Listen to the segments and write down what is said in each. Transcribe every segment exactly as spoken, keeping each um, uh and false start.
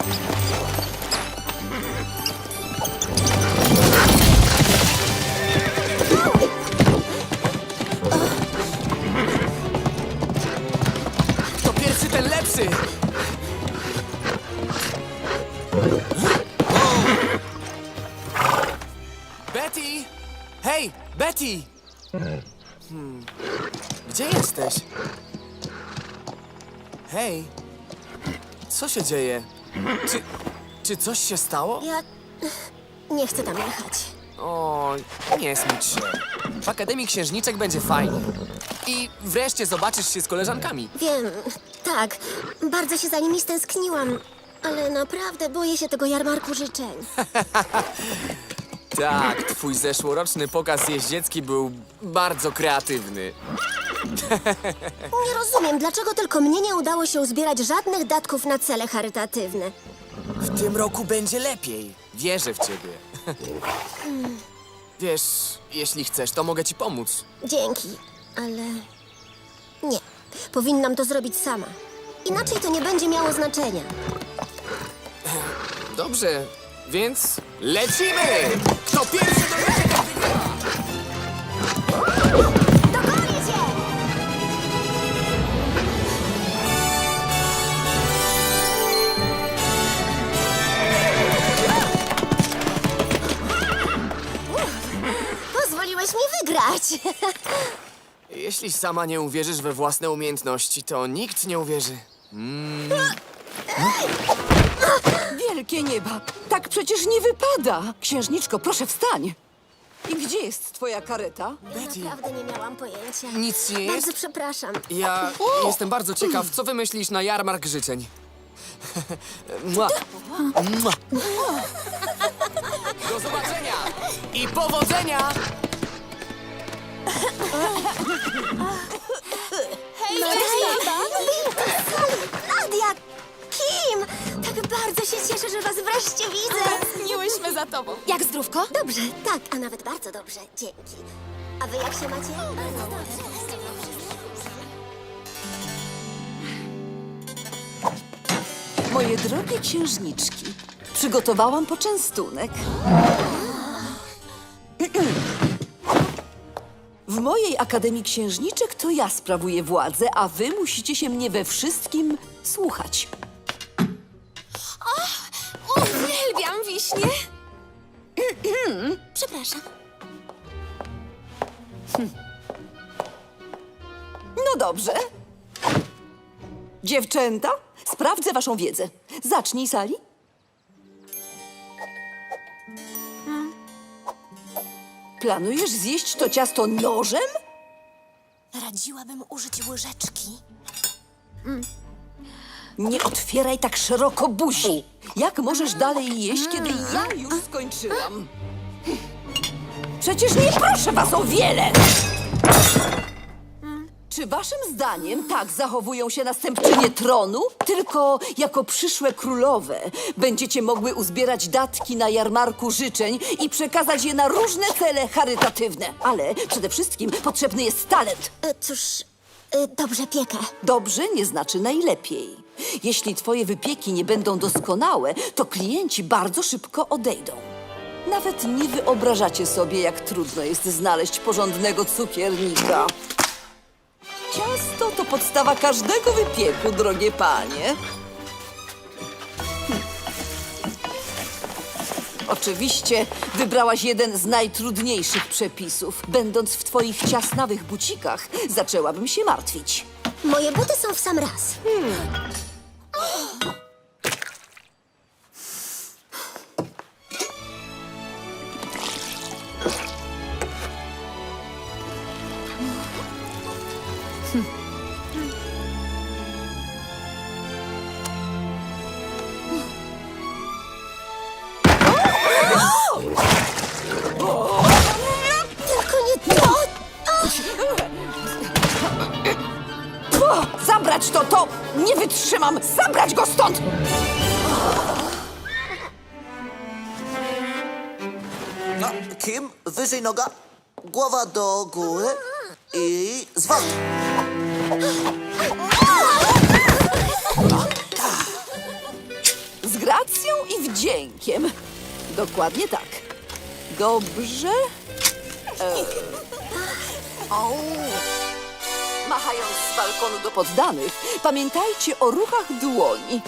To pierwszy, ten lepszy! Betty! Hej, Betty! Hmm. Gdzie jesteś? Hej! Co się dzieje? Czy, czy coś się stało? Ja nie chcę tam jechać. O, nie smuć się. W Akademii Księżniczek będzie fajnie. I wreszcie zobaczysz się z koleżankami. Wiem, tak, bardzo się za nimi stęskniłam, ale naprawdę boję się tego jarmarku życzeń. Tak, twój zeszłoroczny pokaz jeździecki był bardzo kreatywny. Nie rozumiem, dlaczego tylko mnie nie udało się uzbierać żadnych datków na cele charytatywne. W tym roku będzie lepiej. Wierzę w ciebie. Wiesz, jeśli chcesz, to mogę ci pomóc. Dzięki, ale nie. Powinnam to zrobić sama. Inaczej to nie będzie miało znaczenia. Dobrze, więc lecimy! Kto pierwszy dojedzie, ten wygrywa! Dogonię cię! Pozwoliłeś mi wygrać. Jeśli sama nie uwierzysz we własne umiejętności, to nikt nie uwierzy. Wielkie nieba! Tak przecież nie wypada! Księżniczko, proszę wstań! I gdzie jest twoja kareta? Betty. Naprawdę nie miałam pojęcia. Nic nie jest? Bardzo przepraszam. Ja jestem bardzo ciekaw, co wymyślisz na jarmark życzeń. Mua. Mua. Do zobaczenia i powodzenia! Hej, Nadia! Kim? Tak bardzo się cieszę, że was wreszcie widzę. Tęskniłyśmy za tobą. Jak zdrówko? Dobrze, tak, a nawet bardzo dobrze. Dzięki. A wy jak się macie? Moje drogie księżniczki, przygotowałam poczęstunek. W mojej Akademii Księżniczek to ja sprawuję władzę, a wy musicie się mnie we wszystkim słuchać. Uwielbiam wiśnie. Przepraszam. No dobrze. Dziewczęta, sprawdzę waszą wiedzę. Zacznij, Sali. Planujesz zjeść to ciasto nożem? Radziłabym użyć łyżeczki. Nie otwieraj tak szeroko buzi. Jak możesz dalej jeść, kiedy ja już skończyłam? Przecież nie proszę was o wiele! Czy waszym zdaniem tak zachowują się następczynie tronu? Tylko jako przyszłe królowe będziecie mogły uzbierać datki na jarmarku życzeń i przekazać je na różne cele charytatywne. Ale przede wszystkim potrzebny jest talent. E, cóż, e, dobrze piekę. Dobrze nie znaczy najlepiej. Jeśli twoje wypieki nie będą doskonałe, to klienci bardzo szybko odejdą. Nawet nie wyobrażacie sobie, jak trudno jest znaleźć porządnego cukiernika. Ciasto to podstawa każdego wypieku, drogie panie. Hm. Oczywiście wybrałaś jeden z najtrudniejszych przepisów. Będąc w twoich ciasnawych bucikach, zaczęłabym się martwić. Moje buty są w sam raz. Tylko nie to! O, zabrać to, to! Nie wytrzymam! Zabrać go stąd! No, Kim, wyżej noga, głowa do góry i zwrot. Zgrad? wdziękiem. Dokładnie tak. Dobrze. E... Machając z balkonu do poddanych, pamiętajcie o ruchach dłoni.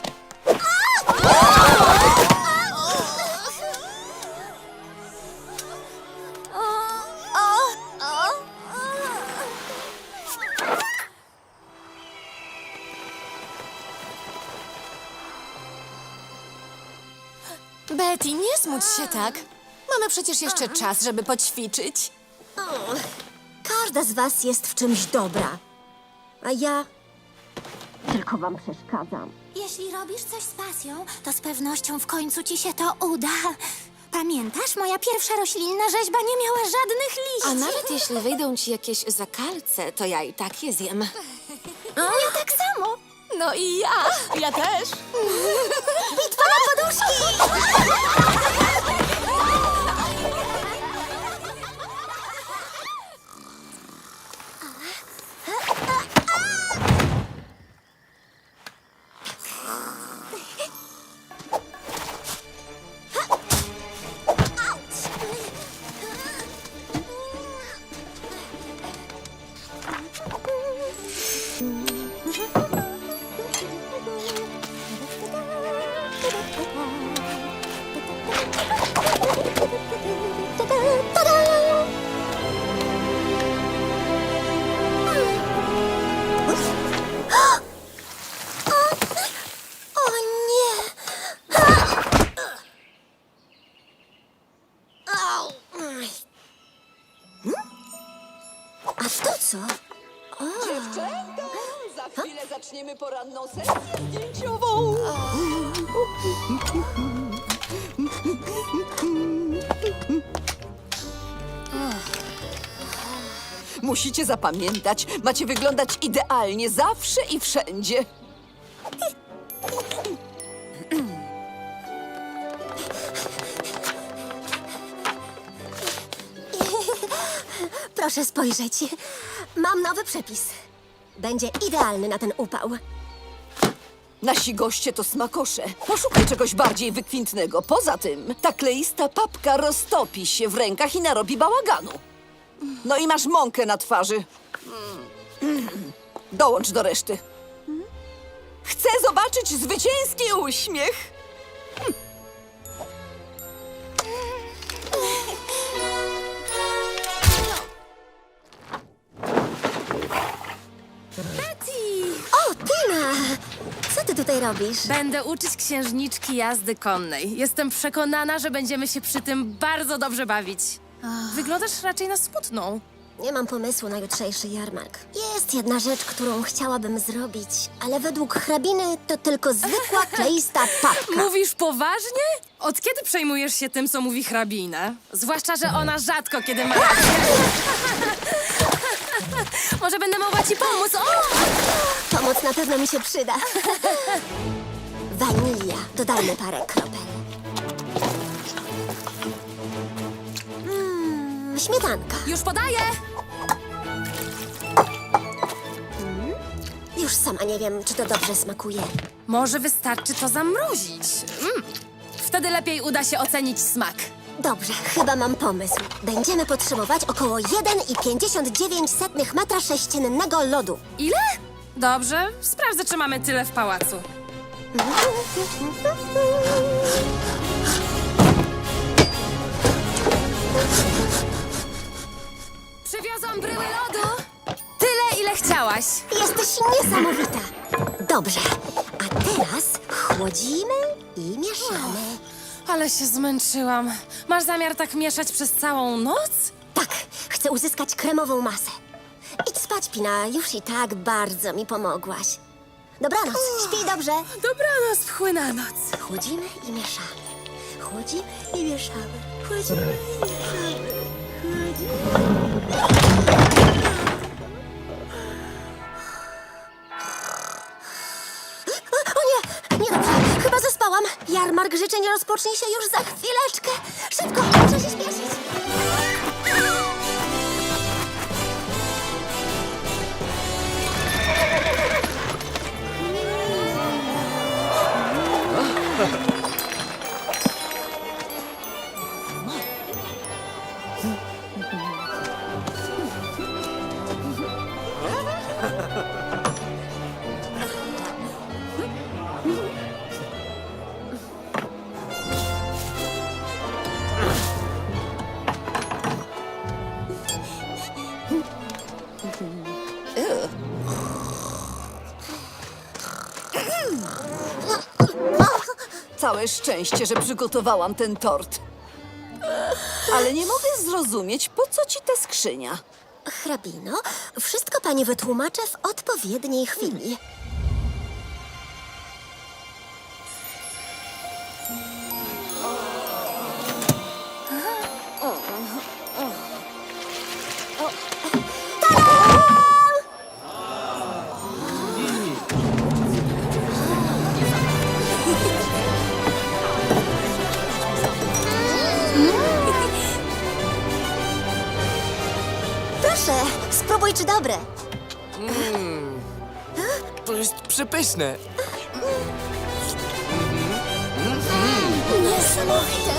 Betty, nie smuć się tak. Mamy przecież jeszcze czas, żeby poćwiczyć. O, każda z was jest w czymś dobra. A ja tylko wam przeszkadzam. Jeśli robisz coś z pasją, to z pewnością w końcu ci się to uda. Pamiętasz, moja pierwsza roślinna rzeźba nie miała żadnych liści. A nawet jeśli wyjdą ci jakieś zakalce, to ja i tak je zjem. Ja tak samo. No i ja. Ja też. Bitwa na poduszki! O nie! Au! A to co? Dziewczęta, za chwilę zaczniemy poranną sesję zdjęciową. Musicie zapamiętać, macie wyglądać idealnie zawsze i wszędzie. Proszę spojrzeć. Mam nowy przepis. Będzie idealny na ten upał. Nasi goście to smakosze. Poszukaj czegoś bardziej wykwintnego. Poza tym, ta kleista papka roztopi się w rękach i narobi bałaganu. No i masz mąkę na twarzy. Dołącz do reszty. Chcę zobaczyć zwycięski uśmiech. O, Tina! Co ty tutaj robisz? Będę uczyć księżniczki jazdy konnej. Jestem przekonana, że będziemy się przy tym bardzo dobrze bawić. Wyglądasz raczej na smutną. Nie mam pomysłu na jutrzejszy jarmark. Jest jedna rzecz, którą chciałabym zrobić, ale według hrabiny to tylko zwykła, kleista papka. Mówisz poważnie? Od kiedy przejmujesz się tym, co mówi hrabina? Zwłaszcza, że ona rzadko kiedy ma rację. Może będę mogła ci pomóc? O! Pomoc na pewno mi się przyda. Wanilia. Dodajmy parę kropel. Mm, śmietanka. Już podaję! Już sama nie wiem, czy to dobrze smakuje. Może wystarczy to zamrozić. Mm. Wtedy lepiej uda się ocenić smak. Dobrze, chyba mam pomysł. Będziemy potrzebować około jeden i pięćdziesiąt dziewięć setnych metra sześciennego lodu. Ile? Dobrze, sprawdzę, czy mamy tyle w pałacu. Przywiozłam bryły lodu! Tyle, ile chciałaś. Jesteś niesamowita. Dobrze, a teraz chłodzimy i mieszamy. Ale się zmęczyłam. Masz zamiar tak mieszać przez całą noc? Tak, chcę uzyskać kremową masę. Idź spać, Pina, już i tak bardzo mi pomogłaś. Dobranoc, śpij dobrze. Dobranoc, wchły na noc. Chłodzimy i mieszamy. Chłodzimy i mieszamy. Chłodzimy i mieszamy. Chłodzimy. O nie, niedobrze, chyba zaspałam. Jarmark życzeń rozpocznie się już za chwileczkę. Szybko, muszę się śpieszyć. Całe szczęście, że przygotowałam ten tort. Ale nie mogę zrozumieć, po co ci ta skrzynia? Hrabino, wszystko pani wytłumaczę w odpowiedniej chwili. Proszę, spróbuj, czy dobre. To jest przepyszne. Niesamowite.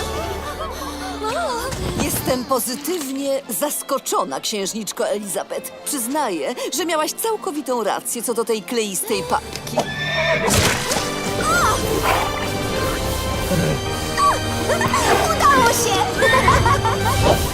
Jestem pozytywnie zaskoczona, księżniczko Elizabeth. Przyznaję, że miałaś całkowitą rację co do tej kleistej papki. Udało się!